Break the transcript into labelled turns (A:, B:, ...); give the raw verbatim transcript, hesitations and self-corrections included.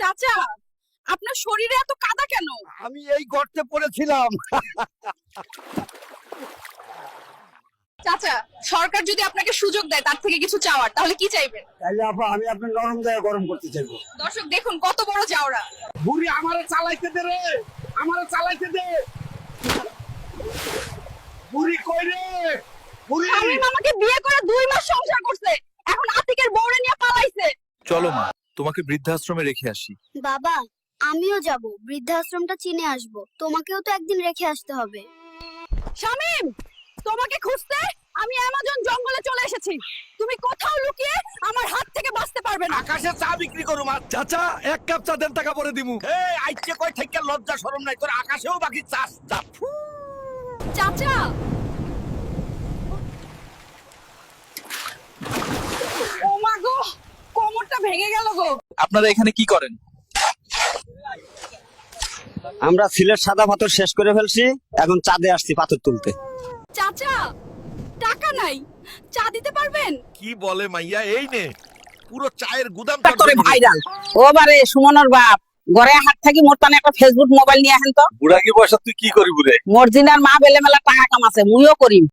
A: চাচা, আপনার শরীরে এত কাদা কেন?
B: আমি এই গর্তে পড়েছিলাম।
A: চাচা, সরকার যদি আপনাকে সুযোগ দেয় তার থেকে কিছু চাওয়ার, তাহলে কি চাইবেন?
B: তাইলে আপা আমি আপনার নরম জায়গা গরম করতে চাইবো।
A: দর্শক দেখুন কত বড় জাউরা।
B: বুড়ি আমারে চালাইতে দে রে, আমারে চালাইতে দে। বুড়ি কই রে? বুড়ি
A: শামীম আমাকে বিয়ে করে দুই মাস সংসার করছে, এখন আতিকের বউরে নিয়ে পালাইছে।
C: চলো মা, তোমাকে বৃদ্ধাশ্রমে রেখে আসি।
D: বাবা, আমিও যাব, বৃদ্ধাশ্রমটা চিনে আসব। তোমাকেও তো একদিন রেখে আসতে হবে।
A: শামীম, তোমাকে খুঁজতে আমি অ্যামাজন জঙ্গলে চলে এসেছি। তুমি কোথাও লুকিয়ে আমার হাত থেকে বাঁচতে পারবে না।
B: আকাশে চা বিক্রি করু মা।
C: চাচা, এক কাপ চা দেন, টাকা পরে দিমু।
B: এই আইছে কই থেকে লজ্জা শরম নাই তোর? আকাশেও বাকি চাস চা।
A: চাচা, ও মা গো, কোমরটা ভেঙে গেল গো।
C: আপনারা এখানে কি করেন?
E: আমরা সিলেট সাদা পাথর শেষ করে ফেলছি, এখন চাঁদে আসছি পাথর তুলতে।
A: চাচা, টাকা নাই, চা দিতে পারবেন?
B: কি বলে মাইয়া, এই নে পুরো চায়ের গুদাম
F: তোরে ভাইরাল ও বারে সুমনের বাপ ঘরে হাত থাকি মোর তানে একটা ফেসবুক মোবাইল নিয়ে আহেন তো।
C: বুড়া কি পয়সা তুই কি করি বুড়ে?
F: মর্জিনার মা বেলে মেলা টাকা কামাছে, মুইও করিম।